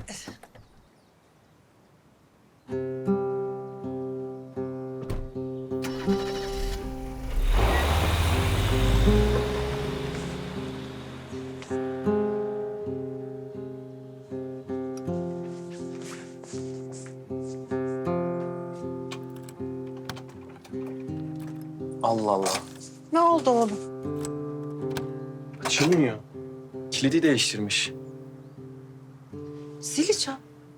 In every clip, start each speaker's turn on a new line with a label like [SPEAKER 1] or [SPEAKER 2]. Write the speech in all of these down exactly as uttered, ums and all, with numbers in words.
[SPEAKER 1] Allah Allah.
[SPEAKER 2] Ne oldu oğlum?
[SPEAKER 1] Açılmıyor. Kilidi değiştirmiş.
[SPEAKER 2] Zili çal.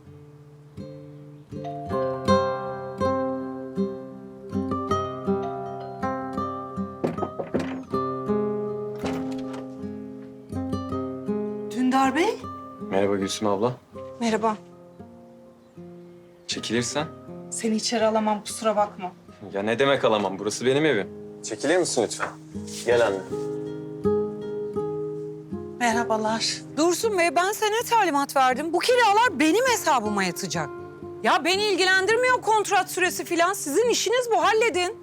[SPEAKER 2] Dündar Bey.
[SPEAKER 1] Merhaba Gülsüm abla.
[SPEAKER 2] Merhaba.
[SPEAKER 1] Çekilirsen.
[SPEAKER 2] Seni içeri alamam, kusura bakma.
[SPEAKER 1] Ya ne demek alamam? Burası benim evim. Çekilir misin lütfen? Gel anne.
[SPEAKER 2] Merhabalar.
[SPEAKER 3] Dursun Bey, ben sana talimat verdim. Bu kiralar benim hesabıma yatacak. Ya beni ilgilendirmiyor kontrat süresi falan. Sizin işiniz bu, halledin.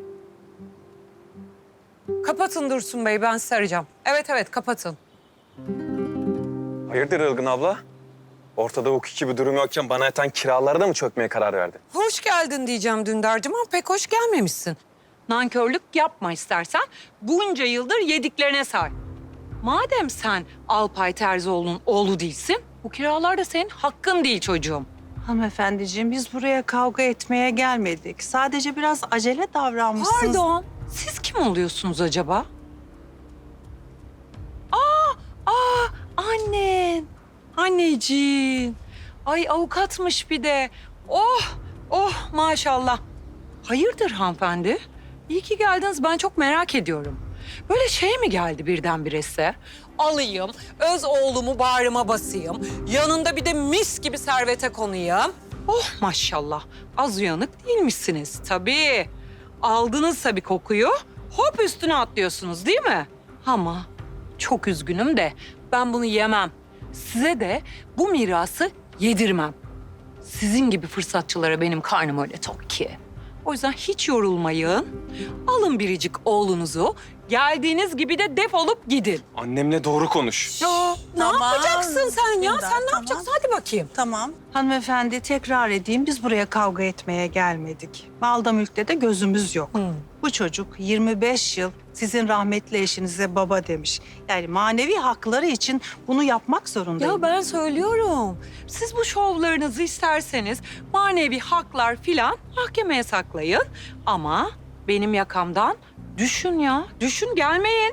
[SPEAKER 3] Kapatın Dursun Bey, ben sizi arayacağım. Evet evet, kapatın.
[SPEAKER 1] Hayırdır Ilgın abla? Ortada hukuki bir durum yokken bana yatan kiralara da mı çökmeye karar verdin?
[SPEAKER 3] Hoş geldin diyeceğim Dündar'cığım ama pek hoş gelmemişsin. Nankörlük yapma istersen. Bunca yıldır yediklerine say. Madem sen Alpay Terzioğlu'nun oğlu değilsin, bu kiralar da senin hakkın değil çocuğum.
[SPEAKER 2] Hanımefendiciğim, biz buraya kavga etmeye gelmedik. Sadece biraz acele davranmışsınız.
[SPEAKER 3] Pardon, siz kim oluyorsunuz acaba? Aa, aa, annen. Anneciğim. Ay avukatmış bir de. Oh, oh maşallah. Hayırdır hanımefendi? İyi ki geldiniz. Ben çok merak ediyorum. Böyle şey mi geldi birdenbire size? Alayım, öz oğlumu bağrıma basayım. Yanında bir de mis gibi servete konayım. Oh maşallah. Az uyanık değilmişsiniz tabii. Aldınızsa bir kokuyu hop üstüne atlıyorsunuz değil mi? Ama çok üzgünüm de ben bunu yemem. Size de bu mirası yedirmem. Sizin gibi fırsatçılara benim karnım öyle tok ki. O yüzden hiç yorulmayın. Alın biricik oğlunuzu. Geldiğiniz gibi de defolup gidin.
[SPEAKER 1] Annemle doğru konuş.
[SPEAKER 3] Ya, ne
[SPEAKER 2] Tamam.
[SPEAKER 3] yapacaksın sen ya?
[SPEAKER 2] Dündar,
[SPEAKER 3] Sen ne
[SPEAKER 2] tamam.
[SPEAKER 3] yapacaksın? Hadi bakayım.
[SPEAKER 2] Tamam. Hanımefendi, tekrar edeyim, biz buraya kavga etmeye gelmedik. Malda mülkte de gözümüz yok.
[SPEAKER 3] Hı.
[SPEAKER 2] Bu çocuk yirmi beş yıl sizin rahmetli eşinize baba demiş. Yani manevi hakları için bunu yapmak zorundayım.
[SPEAKER 3] Ya ben söylüyorum. Siz bu şovlarınızı isterseniz manevi haklar filan mahkemeye saklayın. Ama benim yakamdan düşün ya. Düşün, gelmeyin.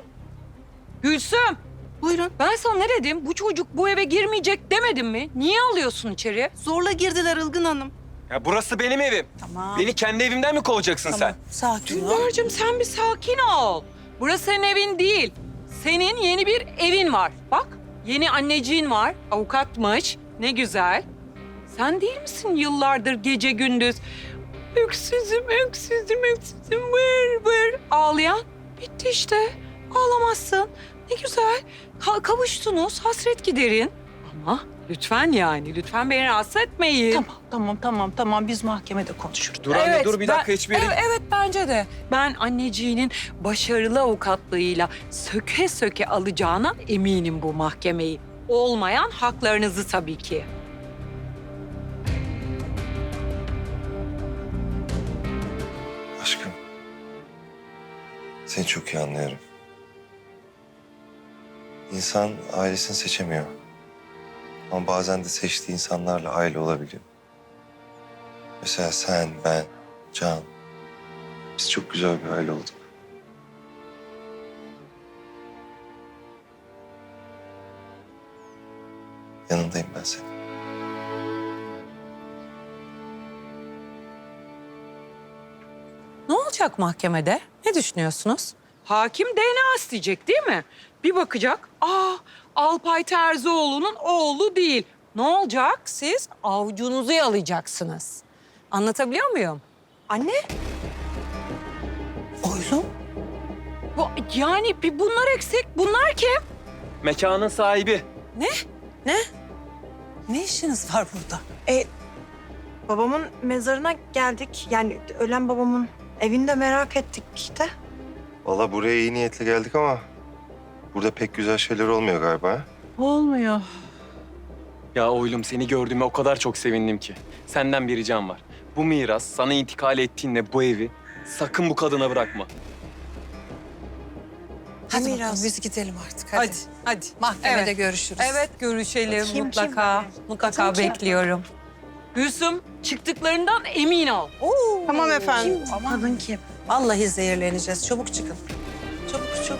[SPEAKER 3] Gülsüm.
[SPEAKER 2] Buyurun.
[SPEAKER 3] Ben sana ne dedim? Bu çocuk bu eve girmeyecek demedim mi? Niye alıyorsun içeri?
[SPEAKER 2] Zorla girdiler Ilgın Hanım.
[SPEAKER 1] Ya burası benim evim.
[SPEAKER 2] Tamam.
[SPEAKER 1] Beni kendi evimden mi kovacaksın
[SPEAKER 2] Tamam.
[SPEAKER 1] sen?
[SPEAKER 2] Sakin ol.
[SPEAKER 3] Dündar'cığım sen bir sakin ol. Burası senin evin değil. Senin yeni bir evin var. Bak yeni anneciğin var. Avukatmış. Ne güzel. Sen değil misin yıllardır gece gündüz? Öksüzüm, öksüzüm, öksüzüm, vır vır ağlayan? Bitti işte. Ağlamazsın. Ne güzel. Ka- kavuştunuz. Hasret giderin. Ama lütfen yani. Lütfen beni rahatsız etmeyin.
[SPEAKER 2] Tamam, tamam, tamam, tamam. Biz mahkemede konuşuruz.
[SPEAKER 1] Dur anne dur bir dakika
[SPEAKER 3] ben-
[SPEAKER 1] hiçbir yere...
[SPEAKER 3] Evet, evet bence de. Ben anneciğinin başarılı avukatlığıyla söke söke alacağına eminim bu mahkemeyi. Olmayan haklarınızı tabii ki.
[SPEAKER 4] Aşkım, seni çok iyi anlıyorum. İnsan ailesini seçemiyor. Ama bazen de seçtiği insanlarla aile olabiliyor. Mesela sen, ben, Can. Biz çok güzel bir aile olduk. Yanındayım ben senin.
[SPEAKER 3] Ne olacak mahkemede? Ne düşünüyorsunuz? Hakim D N A isteyecek değil mi? Bir bakacak. Aa, Alpay Terzioğlu'nun oğlu değil. Ne olacak? Siz avucunuzu yalayacaksınız. Anlatabiliyor muyum? Anne?
[SPEAKER 2] Oğlum.
[SPEAKER 3] Bu, yani bir bunlar eksik. Bunlar kim?
[SPEAKER 1] Mekanın sahibi.
[SPEAKER 3] Ne? Ne?
[SPEAKER 2] Ne işiniz var burada?
[SPEAKER 5] E, babamın mezarına geldik. Yani ölen babamın evini de merak ettik işte.
[SPEAKER 4] Vallahi buraya iyi niyetle geldik ama... burada pek güzel şeyler olmuyor galiba. ha?
[SPEAKER 2] Olmuyor.
[SPEAKER 1] Ya oğlum seni gördüğüme o kadar çok sevindim ki. Senden bir ricam var. Bu miras sana intikal ettiğinde bu evi sakın bu kadına bırakma.
[SPEAKER 2] Hadi
[SPEAKER 5] Miras.
[SPEAKER 2] bakalım biz gidelim artık.
[SPEAKER 3] Hadi,
[SPEAKER 2] Hadi.
[SPEAKER 3] hadi.
[SPEAKER 2] Mahkemede
[SPEAKER 3] Evet.
[SPEAKER 2] görüşürüz.
[SPEAKER 3] Evet, görüşelim
[SPEAKER 5] Kim, kim
[SPEAKER 3] mutlaka.
[SPEAKER 5] böyle?
[SPEAKER 3] Mutlaka
[SPEAKER 5] Kim, kim?
[SPEAKER 3] bekliyorum. Gülsüm, çıktıklarından emin ol.
[SPEAKER 5] Tamam efendim.
[SPEAKER 2] Kim? Kadın kim? Vallahi zehirleneceğiz. Çabuk çıkın. Çabuk çabuk.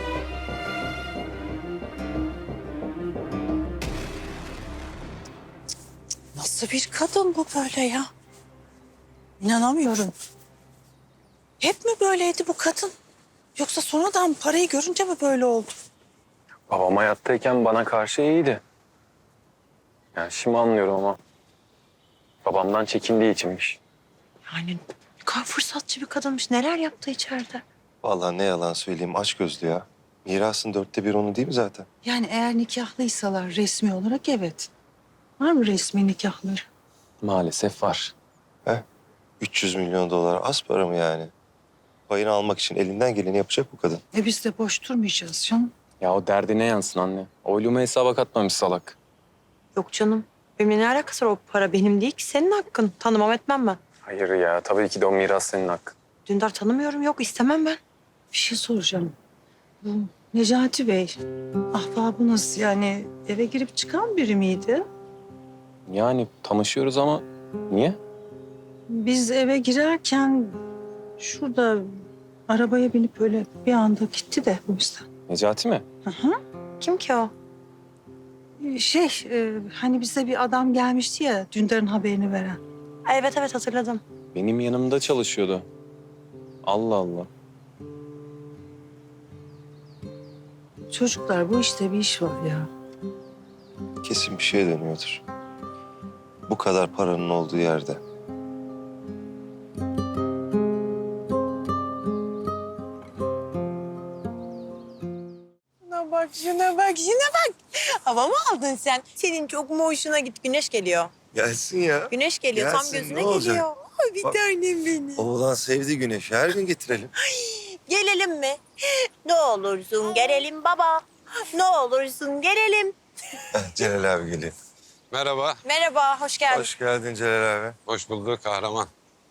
[SPEAKER 2] Nasıl bir kadın bu böyle ya? İnanamıyorum. Hep mi böyleydi bu kadın? Yoksa sonradan parayı görünce mi böyle oldu?
[SPEAKER 1] Babam hayattayken bana karşı iyiydi. Yani şimdi anlıyorum ama babamdan çekindiği içinmiş.
[SPEAKER 5] Yani ne kadar fırsatçı bir kadınmış. Neler yaptı içeride?
[SPEAKER 4] Vallahi ne yalan söyleyeyim açgözlü ya. Mirasın dörtte bir onu değil mi zaten?
[SPEAKER 2] Yani eğer nikahlıysalar resmi olarak evet. Var mı resmi nikahları?
[SPEAKER 1] Maalesef var.
[SPEAKER 4] üç yüz milyon dolar az para mı yani? Payını almak için elinden geleni yapacak bu kadın.
[SPEAKER 2] E biz de boş durmayacağız canım.
[SPEAKER 1] Ya o derdine yansın anne. Oylumu hesaba katmamış salak.
[SPEAKER 5] Yok canım. Benimle ne alakası var? O para benim değil ki. Senin hakkın. Tanımam etmem ben.
[SPEAKER 1] Hayır ya tabii ki de o miras senin hakkın.
[SPEAKER 5] Dündar tanımıyorum. Yok istemem ben.
[SPEAKER 2] Bir şey soracağım. Bu Necati Bey, ahbabınız yani eve girip çıkan biri miydi?
[SPEAKER 1] Yani tanışıyoruz ama niye?
[SPEAKER 2] Biz eve girerken şurada arabaya binip böyle bir anda gitti de o yüzden.
[SPEAKER 1] Necati mi?
[SPEAKER 2] Hı hı.
[SPEAKER 5] Kim ki o?
[SPEAKER 2] Şey, e, hani bize bir adam gelmişti ya Dündar'ın haberini veren.
[SPEAKER 5] Evet evet hatırladım.
[SPEAKER 1] Benim yanımda çalışıyordu. Allah Allah.
[SPEAKER 2] Çocuklar bu işte bir iş var ya.
[SPEAKER 4] Kesin bir şeye dönüyordur. Bu kadar paranın olduğu yerde.
[SPEAKER 6] Şuna bak, şuna bak, şuna bak. Hava mı aldın sen? Senin çok mu hoşuna git? Güneş geliyor.
[SPEAKER 4] Gelsin ya.
[SPEAKER 6] Güneş geliyor, tam
[SPEAKER 4] Gelsin,
[SPEAKER 6] gözüne
[SPEAKER 4] ne olacak?
[SPEAKER 6] geliyor. Ay bir
[SPEAKER 4] Bak.
[SPEAKER 6] tanem benim.
[SPEAKER 4] Oğlan sevdi güneşi. Her gün getirelim.
[SPEAKER 6] Gelelim mi? Ne olursun gelelim baba. Ne olursun gelelim.
[SPEAKER 4] Celal abi geliyor.
[SPEAKER 7] Merhaba,
[SPEAKER 6] Merhaba, hoş geldin.
[SPEAKER 4] Hoş geldin Celal abi.
[SPEAKER 7] hoş bulduk kahraman.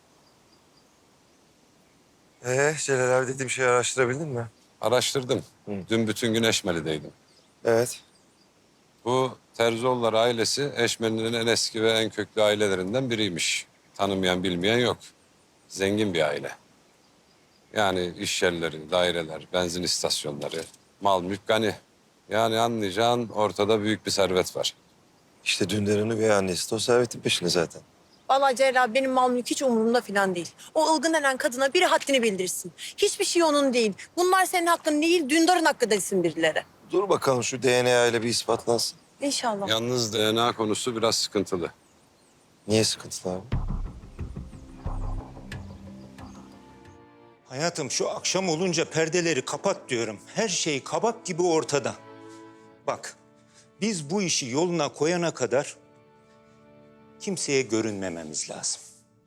[SPEAKER 4] Ee, Celal abi dediğim şeyi araştırabildin mi?
[SPEAKER 7] Araştırdım.
[SPEAKER 4] Hı.
[SPEAKER 7] Dün bütün gün Eşmeli'deydim.
[SPEAKER 4] Evet.
[SPEAKER 7] Bu Terzioğullar ailesi Eşmeli'nin en eski ve en köklü ailelerinden biriymiş. Tanımayan, bilmeyen yok. Zengin bir aile. Yani iş yerleri, daireler, benzin istasyonları, mal mülk gani. Yani anlayacağın ortada büyük bir servet var.
[SPEAKER 4] İşte Dündar'ın üvey annesi de o servetin peşinde zaten.
[SPEAKER 6] Vallahi Celal abi, benim mal mülk hiç umurumda falan değil. O ılgın denen kadına biri haddini bildirsin. Hiçbir şey onun değil. Bunlar senin hakkın değil, Dündar'ın hakkı desin birileri.
[SPEAKER 4] Dur bakalım şu D N A ile bir ispatlansın.
[SPEAKER 6] İnşallah.
[SPEAKER 7] Yalnız D N A konusu biraz sıkıntılı.
[SPEAKER 4] Niye sıkıntılı abi?
[SPEAKER 8] Hayatım şu akşam olunca perdeleri kapat diyorum. Her şey kabak gibi ortada. Bak, biz bu işi yoluna koyana kadar kimseye görünmememiz lazım.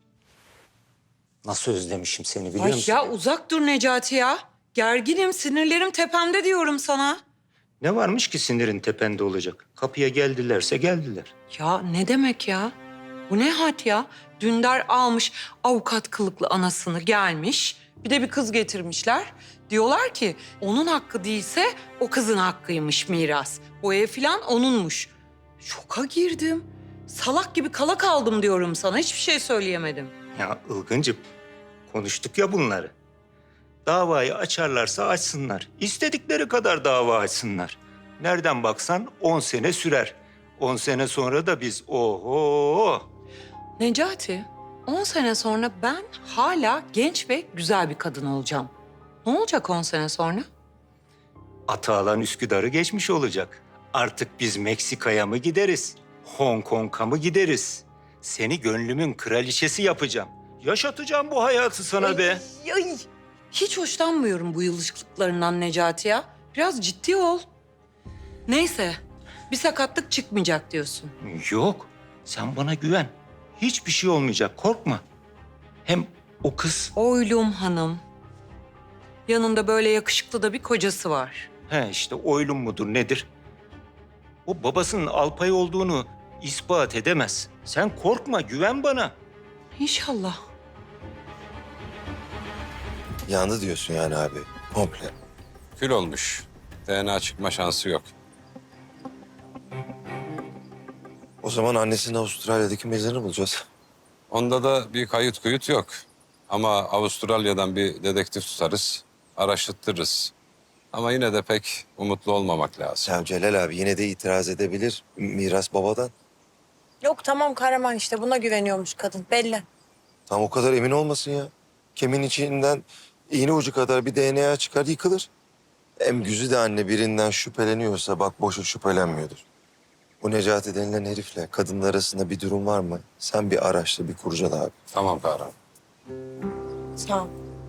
[SPEAKER 8] Nasıl özlemişim seni biliyor
[SPEAKER 3] Ay
[SPEAKER 8] musun?
[SPEAKER 3] ya uzak dur Necati ya. Gerginim, sinirlerim tepemde diyorum sana.
[SPEAKER 8] Ne varmış ki sinirin tepende olacak? Kapıya geldilerse geldiler.
[SPEAKER 3] Ya ne demek ya? Bu ne hat ya? Dündar almış avukat kılıklı anasını gelmiş. Bir de bir kız getirmişler. Diyorlar ki onun hakkı değilse o kızın hakkıymış miras. O ev falan onunmuş. Şoka girdim. Salak gibi kala kaldım diyorum sana. Hiçbir şey söyleyemedim.
[SPEAKER 8] Ya Ilgıncığım, konuştuk ya bunları. Davayı açarlarsa açsınlar. İstedikleri kadar dava açsınlar. Nereden baksan on sene sürer. On sene sonra da biz oho.
[SPEAKER 3] Necati, on sene sonra ben hala genç ve güzel bir kadın olacağım. Ne olacak on sene sonra?
[SPEAKER 8] Atağalan Üsküdar'ı geçmiş olacak. Artık biz Meksika'ya mı gideriz? Hong Kong'a mı gideriz? Seni gönlümün kraliçesi yapacağım. Yaşatacağım bu hayatı sana be.
[SPEAKER 3] Ay, ay. Hiç hoşlanmıyorum bu yılışıklıklarından Necati ya. Biraz ciddi ol. Neyse, bir sakatlık çıkmayacak diyorsun.
[SPEAKER 8] Yok, sen bana güven. Hiçbir şey olmayacak, korkma. Hem o kız,
[SPEAKER 3] Oylum hanım. Yanında böyle yakışıklı da bir kocası var.
[SPEAKER 8] he işte oylum mudur nedir? O babasının Alpay olduğunu ispat edemez. Sen korkma, güven bana.
[SPEAKER 3] İnşallah.
[SPEAKER 4] Yandı diyorsun yani abi. Komple.
[SPEAKER 7] Kül olmuş. D N A çıkma şansı yok.
[SPEAKER 4] O zaman annesinin Avustralya'daki mezarını bulacağız.
[SPEAKER 7] Onda da bir kayıt kuyut yok. Ama Avustralya'dan bir dedektif tutarız, araştırırız. Ama yine de pek umutlu olmamak lazım.
[SPEAKER 4] Ya Celal abi yine de itiraz edebilir. Miras babadan.
[SPEAKER 6] Yok tamam kahraman işte buna güveniyormuş kadın belli.
[SPEAKER 4] Tam o kadar emin olmasın ya. Kemin içinden iğne ucu kadar bir D N A çıkar yıkılır. Hem Güzide anne birinden şüpheleniyorsa bak boşu şüphelenmiyordur. Bu Necati denilen herifle kadının arasında bir durum var mı? Sen bir araştır, bir kurcala abi.
[SPEAKER 7] Tamam kahraman.
[SPEAKER 6] Sağ ol.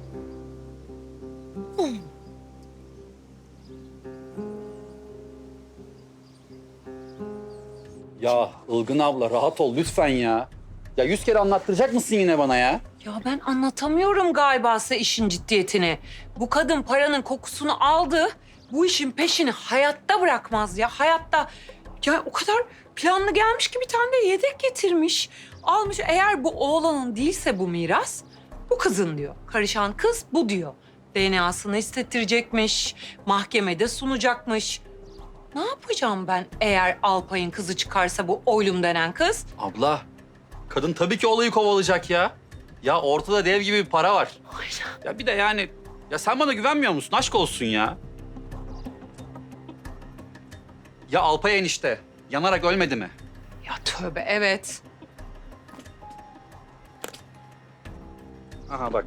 [SPEAKER 9] Ya Ilgın abla rahat ol lütfen ya. Ya yüz kere anlattıracak mısın yine bana ya?
[SPEAKER 3] Ya ben anlatamıyorum galiba size işin ciddiyetini. Bu kadın paranın kokusunu aldı. Bu işin peşini hayatta bırakmaz ya, hayatta. Ya o kadar planlı gelmiş ki bir tane de yedek getirmiş. Almış, eğer bu oğlanın değilse bu miras, bu kızın diyor. Karışan kız bu diyor. D N A'sını istettirecekmiş, mahkemede sunacakmış. Ne yapacağım ben eğer Alpay'ın kızı çıkarsa bu oylum denen kız?
[SPEAKER 9] Abla kadın tabii ki olayı kovalayacak ya. Ya ortada dev gibi bir para var. Ya bir de yani ya sen bana güvenmiyor musun? Aşk olsun ya. Ya Alpay enişte yanarak ölmedi mi?
[SPEAKER 3] Ya tövbe, evet.
[SPEAKER 9] Aha bak.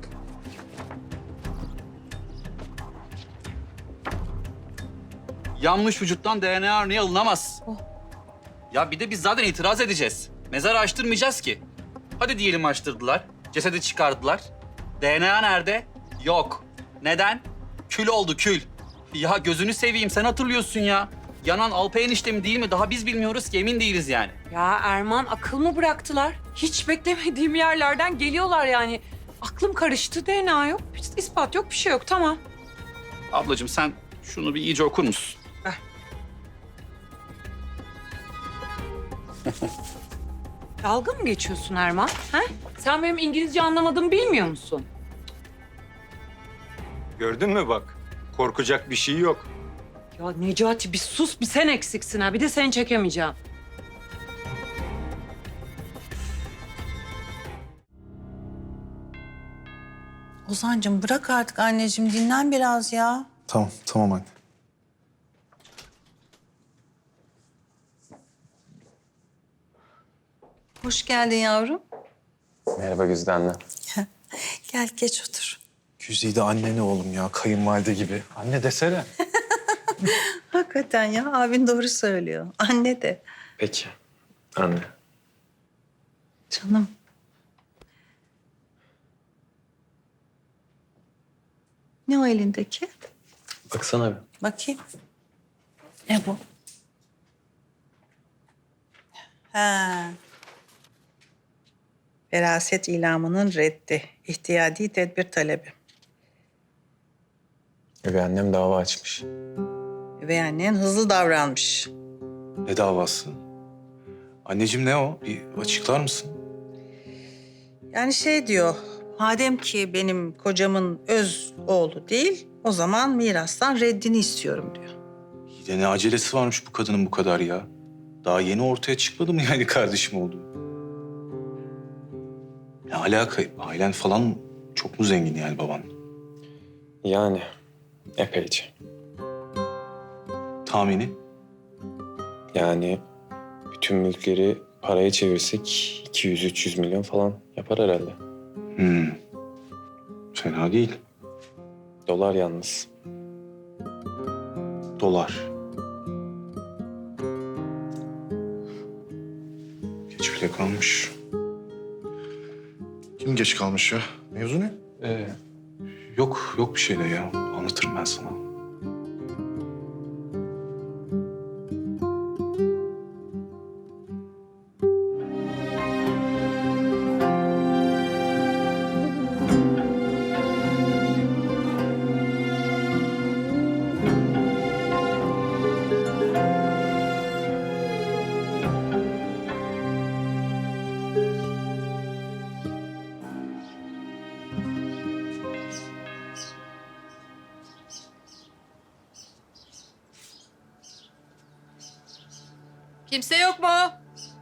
[SPEAKER 9] Yanmış vücuttan D N A örneği alınamaz.
[SPEAKER 3] Oh.
[SPEAKER 9] Ya bir de biz zaten itiraz edeceğiz. Mezar açtırmayacağız ki. Hadi diyelim açtırdılar. Cesedi çıkardılar. D N A nerede? Yok. Neden? Kül oldu kül. Ya gözünü seveyim sen hatırlıyorsun ya. Yanan Alpay enişte mi değil mi? Daha biz bilmiyoruz ki emin değiliz yani.
[SPEAKER 3] Ya Erman, akıl mı bıraktılar? Hiç beklemediğim yerlerden geliyorlar yani. Aklım karıştı, D N A yok, ispat yok, bir şey yok, tamam.
[SPEAKER 9] Ablacığım sen şunu bir iyice okur musun?
[SPEAKER 3] Dalga mı geçiyorsun Erman? Ha? Sen benim İngilizce anlamadığımı bilmiyor musun?
[SPEAKER 8] Gördün mü bak? Korkacak bir şey yok.
[SPEAKER 3] Ya Necati bir sus, bir sen eksiksin ha. Bir de seni çekemeyeceğim.
[SPEAKER 2] Ozan'cığım bırak artık anneciğim, dinlen biraz ya.
[SPEAKER 10] Tamam, tamam anne.
[SPEAKER 2] Hoş geldin yavrum.
[SPEAKER 1] Merhaba Güzide anne.
[SPEAKER 2] Gel geç otur.
[SPEAKER 10] Güzide anne ne oğlum ya, kayınvalide gibi. Anne desene.
[SPEAKER 2] Hakikaten ya, abin doğru söylüyor. Anne de.
[SPEAKER 1] Peki anne.
[SPEAKER 2] Canım. Ne o elindeki?
[SPEAKER 1] Baksana bir.
[SPEAKER 2] Bakayım. Ne bu? Ha. Veraset ilamının reddi. İhtiyadi tedbir talebi.
[SPEAKER 1] Üvey annem dava açmış.
[SPEAKER 2] Ve annen hızlı davranmış.
[SPEAKER 10] Ne davası? Anneciğim ne o? Bir açıklar mısın?
[SPEAKER 2] Yani şey diyor, madem ki benim kocamın öz oğlu değil, o zaman mirastan reddini istiyorum diyor.
[SPEAKER 10] İyi de ne acelesi varmış bu kadının bu kadar ya? Daha yeni ortaya çıkmadı mı yani kardeşim oldu? Ne alaka? Ailen falan çok mu zengin yani baban?
[SPEAKER 1] Yani epeyce.
[SPEAKER 10] Tahmini?
[SPEAKER 1] Yani bütün mülkleri paraya çevirsek iki yüz üç yüz milyon falan yapar herhalde.
[SPEAKER 10] Hmm. Fena değil.
[SPEAKER 1] Dolar yalnız.
[SPEAKER 10] Dolar. Geç bile kalmış.
[SPEAKER 11] Kim geç kalmış ya? Mevzu ne?
[SPEAKER 10] Ee, yok, yok bir şey de ya. Anlatırım ben sana.
[SPEAKER 6] Kimse yok mu?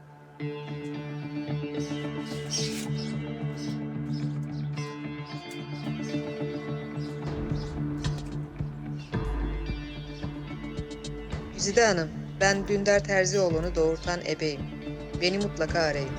[SPEAKER 12] Güzide Hanım, ben Dündar Terzioğlu'nu doğurtan ebeyim. Beni mutlaka arayın.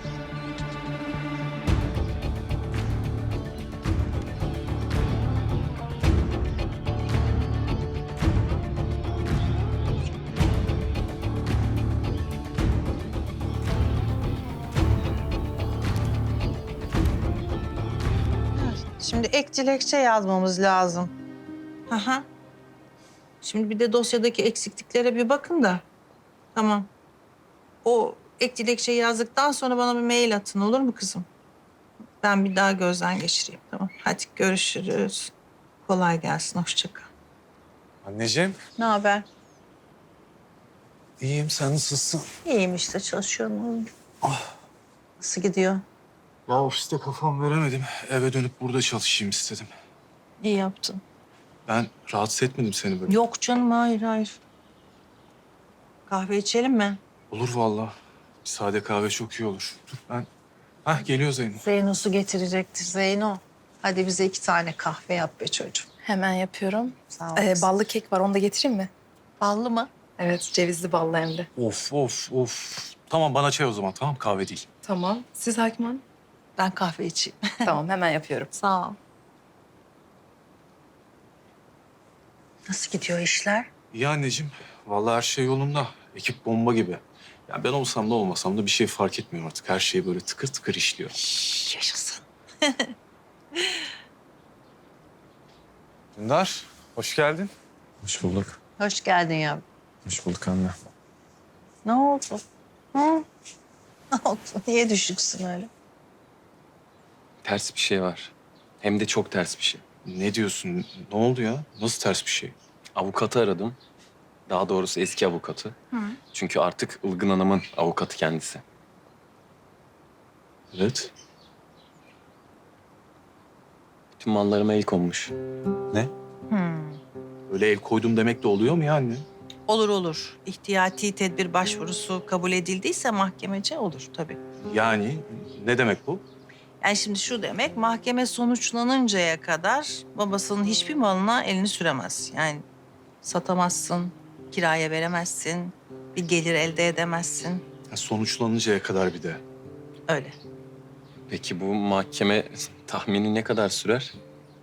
[SPEAKER 2] Şimdi ek dilekçe yazmamız lazım. Aha. Şimdi bir de dosyadaki eksikliklere bir bakın da. Tamam. O ek dilekçeyi yazdıktan sonra bana bir mail atın, olur mu kızım? Ben bir daha gözden geçireyim, tamam. Hadi görüşürüz. Kolay gelsin, hoşça kal.
[SPEAKER 10] Anneciğim.
[SPEAKER 2] Ne haber?
[SPEAKER 10] İyiyim, sen nasılsın?
[SPEAKER 2] İyiyim işte, çalışıyorum. Nasıl gidiyor?
[SPEAKER 10] Ya ofiste kafam veremedim. Eve dönüp burada çalışayım istedim.
[SPEAKER 2] İyi yaptın.
[SPEAKER 10] Ben rahatsız etmedim seni böyle.
[SPEAKER 2] Yok canım, hayır hayır. Kahve içelim mi?
[SPEAKER 10] Olur vallahi. Bir sade kahve çok iyi olur. Dur ben... Hah geliyor Zeyno.
[SPEAKER 2] Zeyno su getirecektir Zeyno. Hadi bize iki tane kahve yap be çocuğum.
[SPEAKER 13] Hemen yapıyorum.
[SPEAKER 2] Sağ ol.
[SPEAKER 13] Ee, ballı kek var, onu da getireyim mi?
[SPEAKER 2] Ballı mı?
[SPEAKER 13] Evet, cevizli ballı hem de.
[SPEAKER 10] Of of of. Tamam bana çay o zaman, tamam, kahve değil.
[SPEAKER 13] Tamam. Siz Hakim Hanım?
[SPEAKER 2] Ben kahve içeyim.
[SPEAKER 13] Tamam, hemen yapıyorum.
[SPEAKER 2] Sağ ol. Nasıl gidiyor işler?
[SPEAKER 10] İyi anneciğim. Vallahi her şey yolunda. Ekip bomba gibi. Ya ben olsam da olmasam da bir şey fark etmiyor artık. Her şey böyle tıkır tıkır işliyor.
[SPEAKER 2] Yaşasın.
[SPEAKER 10] Dündar, hoş geldin.
[SPEAKER 11] Hoş bulduk.
[SPEAKER 2] Hoş geldin yavrum.
[SPEAKER 11] Hoş bulduk anne.
[SPEAKER 2] Ne oldu? Hı? Ne oldu? Niye düşüksün öyle?
[SPEAKER 1] Ters bir şey var. Hem de çok ters bir şey.
[SPEAKER 10] Ne diyorsun? Ne oldu ya? Nasıl ters bir şey?
[SPEAKER 1] Avukatı aradım. Daha doğrusu eski avukatı. Çünkü artık Ilgın Hanım'ın avukatı kendisi.
[SPEAKER 10] Evet.
[SPEAKER 1] Bütün mallarıma el konmuş.
[SPEAKER 10] Ne? Öyle el koydum demek de oluyor mu ya anne?
[SPEAKER 2] Olur olur. İhtiyati tedbir başvurusu kabul edildiyse mahkemece olur tabii.
[SPEAKER 10] Yani ne demek bu?
[SPEAKER 2] Yani şimdi şu demek, mahkeme sonuçlanıncaya kadar babasının hiçbir malına elini süremez. Yani satamazsın, kiraya veremezsin, bir gelir elde edemezsin.
[SPEAKER 10] Ya sonuçlanıncaya kadar bir de.
[SPEAKER 2] Öyle.
[SPEAKER 1] Peki bu mahkeme tahmini ne kadar sürer?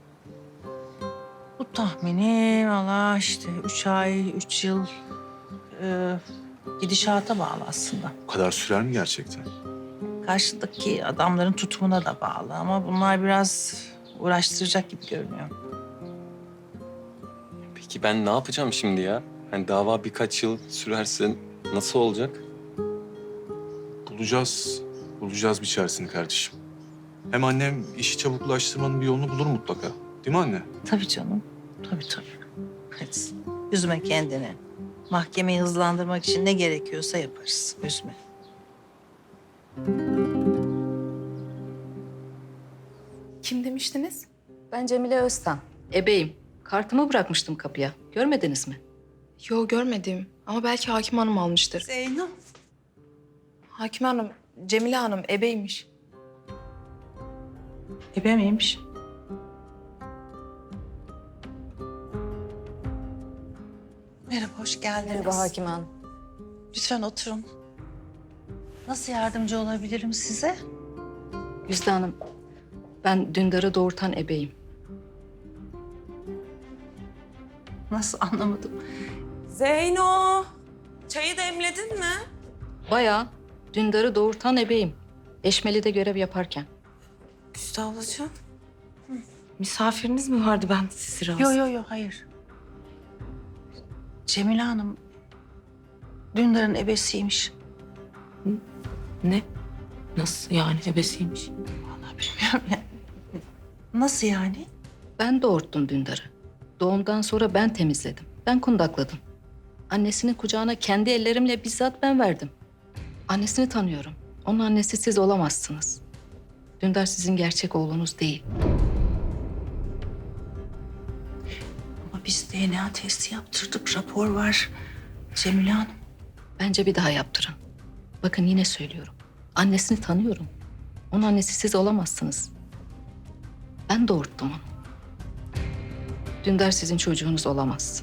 [SPEAKER 2] Bu tahmini valla işte üç ay, üç yıl e, gidişata bağlı aslında.
[SPEAKER 10] Bu kadar sürer mi gerçekten?
[SPEAKER 2] Karşıdaki adamların tutumuna da bağlı ama bunlar biraz uğraştıracak gibi görünüyor.
[SPEAKER 1] Peki ben ne yapacağım şimdi ya? Hani dava birkaç yıl sürerse nasıl olacak?
[SPEAKER 10] Bulacağız. Bulacağız bir çaresini kardeşim. Hem annem işi çabuklaştırmanın bir yolunu bulur mutlaka. Değil mi anne?
[SPEAKER 2] Tabii canım. Tabii tabii. Hadi üzme kendini. Mahkemeyi hızlandırmak için ne gerekiyorsa yaparız. Üzme.
[SPEAKER 13] Kim demiştiniz?
[SPEAKER 14] Ben Cemile Öztan. Ebeyim. Kartımı bırakmıştım kapıya. Görmediniz mi?
[SPEAKER 13] Yo, görmedim. Ama belki Hakim Hanım almıştır.
[SPEAKER 2] Zeyno.
[SPEAKER 13] Hakim Hanım, Cemile Hanım ebeymiş.
[SPEAKER 2] Ebe miymiş? Merhaba, hoş geldiniz.
[SPEAKER 14] Merhaba Hakim Hanım.
[SPEAKER 2] Lütfen oturun. Nasıl yardımcı olabilirim size?
[SPEAKER 14] Güzide Hanım, ben Dündar'ı doğurtan ebeyim.
[SPEAKER 2] Nasıl anlamadım.
[SPEAKER 3] Zeyno, çayı demledin mi?
[SPEAKER 14] Bayağı Dündar'ı doğurtan ebeyim. Eşmeli'de görev yaparken.
[SPEAKER 3] Güzide ablacığım. Misafiriniz mi vardı, ben sizi rahatsız...
[SPEAKER 2] Yok yok yok, hayır. Cemile Hanım Dündar'ın ebesiymiş.
[SPEAKER 3] Ne? Nasıl yani, ebesiymiş?
[SPEAKER 2] Vallahi bilmiyorum ya. Nasıl yani?
[SPEAKER 14] Ben doğurttum Dündar'ı. Doğumdan sonra ben temizledim. Ben kundakladım. Annesinin kucağına kendi ellerimle bizzat ben verdim. Annesini tanıyorum. Onun annesi siz olamazsınız. Dündar sizin gerçek oğlunuz değil.
[SPEAKER 2] Ama biz D N A testi yaptırdık, rapor var. Cemile Hanım.
[SPEAKER 14] Bence bir daha yaptırın. Bakın yine söylüyorum. Annesini tanıyorum. Onun annesi siz olamazsınız. Ben doğurttum onu. Dündar sizin çocuğunuz olamaz.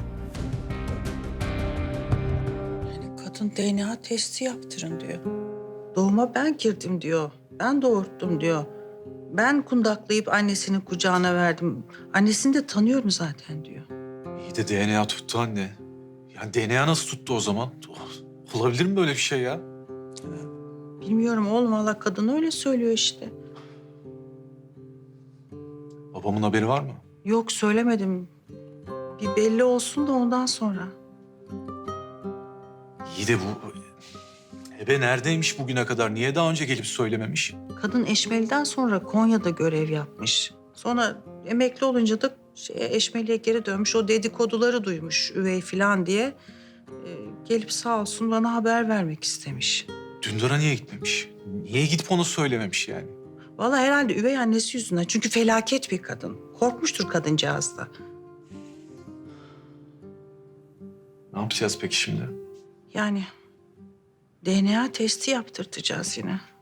[SPEAKER 2] Yani kadın D N A testi yaptırın diyor. Doğuma ben girdim diyor. Ben doğurttum diyor. Ben kundaklayıp annesinin kucağına verdim. Annesini de tanıyorum zaten diyor.
[SPEAKER 10] İyi de D N A tuttu anne. Yani D N A nasıl tuttu o zaman? Olabilir mi böyle bir şey ya?
[SPEAKER 2] Bilmiyorum oğlum, valla kadın öyle söylüyor işte.
[SPEAKER 10] Babamın haberi var mı?
[SPEAKER 2] Yok, söylemedim. Bir belli olsun da ondan sonra.
[SPEAKER 10] İyi de bu... Ebe neredeymiş bugüne kadar? Niye daha önce gelip söylememiş?
[SPEAKER 2] Kadın Eşmeli'den sonra Konya'da görev yapmış. Sonra emekli olunca da şeye, Eşmeli'ye geri dönmüş. O dedikoduları duymuş üvey falan diye. Ee, gelip sağ olsun bana haber vermek istemiş.
[SPEAKER 10] Dündar'a niye gitmemiş? Niye gidip onu söylememiş yani?
[SPEAKER 2] Vallahi herhalde üvey annesi yüzünden. Çünkü felaket bir kadın. Korkmuştur kadıncağız da.
[SPEAKER 10] Ne yapacağız peki şimdi?
[SPEAKER 2] Yani D N A testi yaptırtacağız yine.